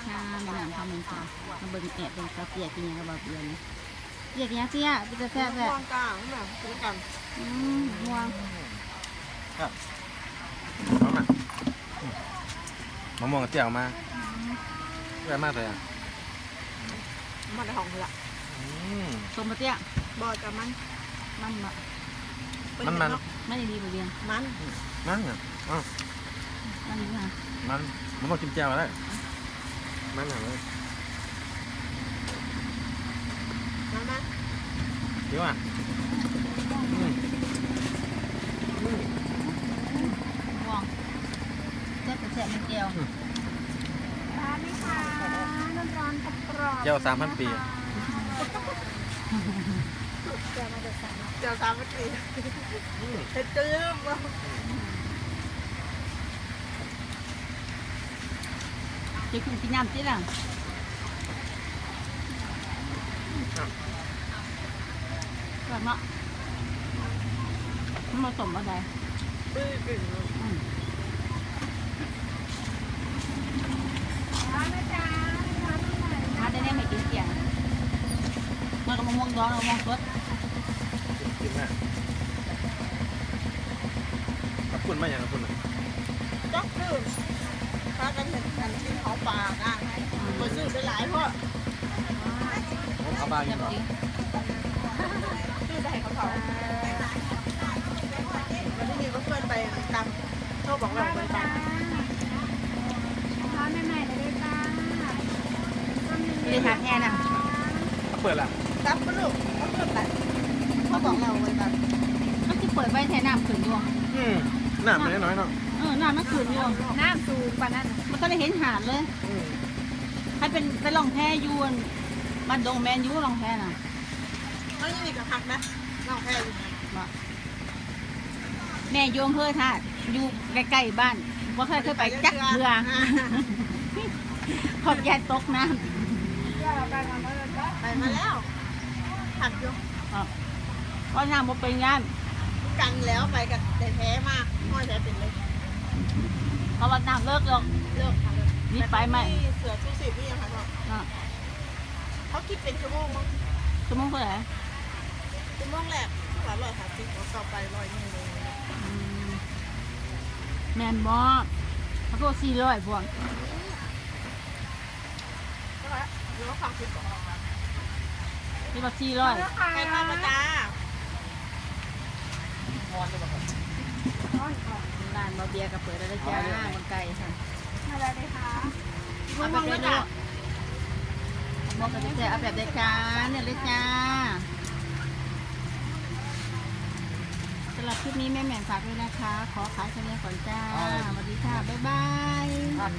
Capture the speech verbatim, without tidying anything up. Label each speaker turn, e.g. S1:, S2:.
S1: ค่ะแม่น้ำคำหนึ่งค่ะมาเบิ่งแอบเบิ่งเตี้ยกินยังกับบ่เบียนเตี้ยกินยังเตี้ยเป็นตาแซ่บแซ่บ
S2: ม่วงกลางนี่แบบกินกัน
S1: อืมม่วง
S3: ครับน้องน่ะมะม่วงกับเจียวมาแย่มากเลยอ่ะ
S2: มันได้ของละ
S3: อืม
S1: ส้มมาเตี้ย
S2: บอกับมัน
S1: มันมะ
S3: มันมัน
S1: ไม่ได้ดีบ่เบียน
S2: มัน
S3: มันอ่ะอ๋อ
S1: มันดีค่ะ
S3: มันมะม่วงจิ้มแจ่วได้มันอ่ะเลย
S2: มันมัน
S3: เดี๋ยวอ่ะอืมอืม
S1: ม่วงแซ่บแซ่บมันเจียว
S2: ร้านนี้ค่ะน้ำร้อนกรอบ
S3: เจียวสามพันปี
S2: เจ้ามาจากสามเจ้าสามปีเฮ็ดจื้ม
S1: จะกินกินน้ำจิ้มอ่ะแบบเนาะมันผสมอะไร
S2: ปื้อกึ่ง
S1: อืม
S2: ร้านนะจ๊ะร้านที่ไหน
S1: มาได้แน่ไม่กินเสียงมันก็มะม่วงดองมะม่วงสด
S3: กินแม่ขอบคุณมากอย่างขอบคุณอ่ะ
S2: จ๊อกจื้มถ้ากันเห็นกันกินของปากอ่ะไปซื้อไปหลายเพราะ
S3: ผมเอาบ้านกิ
S1: แซ่
S3: น
S1: บ
S3: ก่อน
S1: จริง
S2: ซื้อได้เขาเขาวันนี้มีเพื่อนไปตามโชคบอกเราไปตาม
S4: ร้านใหม่ๆเลยได้จ้า
S1: ไม่ได้ทานแค่น่ะ
S3: เปิดละ
S2: ตามปลูกเขาเพื่อนไปเขาบอกเราไปตาม
S1: มันที่เปิดไว้แทนน้ำขืนอยู่
S3: อืมหน้ามันน้อยๆเนาะ
S1: เออน้ำมันขืนอยู่
S4: น้ำสูงกว่านั้น
S1: มันก็ได้เห็นหาดเลย
S3: อืม
S1: ให้เป็นไปลองแพยวนบ้านดงแมนยูลองแพน่ะ
S2: เขายังมีกับพักนะน้องแพรอยู่
S1: บอกแม่โยมเพื่อท่าอยู่ใกล้ๆบ้านว่าเคยเคยไปจักเรือขอบยายตกน้
S2: ไปมาแล้วผักอยู่
S1: ำเพราะน้ำบ่เป็นงาน
S2: กันแล้วไปกันแต่แพ้มากห้อยแพ้เป็นเลย
S1: เพราะว่าน้ำเลิกหรอก
S2: เลิกค่ะ
S1: นี่ไปไหม
S2: เสือชูสีพี่ยังไงบอก
S1: อ่ะ
S2: เขาคิดเป็นชั่วโมงมั้ง
S1: ชั่วโมงเท่าไหร่
S2: ชั่วโมงแรกหลายร้อยสามสิบแล้วต่อไปร้อยหนึ่งเลย
S1: อืมแมนบอเขาก็สี่ร้อยพวง
S2: ก็แล้วเดี๋ยวฟังคลิปก่อน
S1: นี่ว่าสี่ร้อย
S2: ใครพามาจ้า
S1: ร้านบาเบียกับเปิดแล้วได้จ้ามันไก่ค่ะ
S4: อะไรเลยคะ
S1: เอาแบบได้ด้วยบอกกันจะเอาแบบได้จ้าเนี่ยเลยจ้าสำหรับคลิปนี้แม่แหม่มฝากด้วยนะคะ ขอขายคะแนนก่อนจ้าสวัสดีค่ะ บ๊ายบาย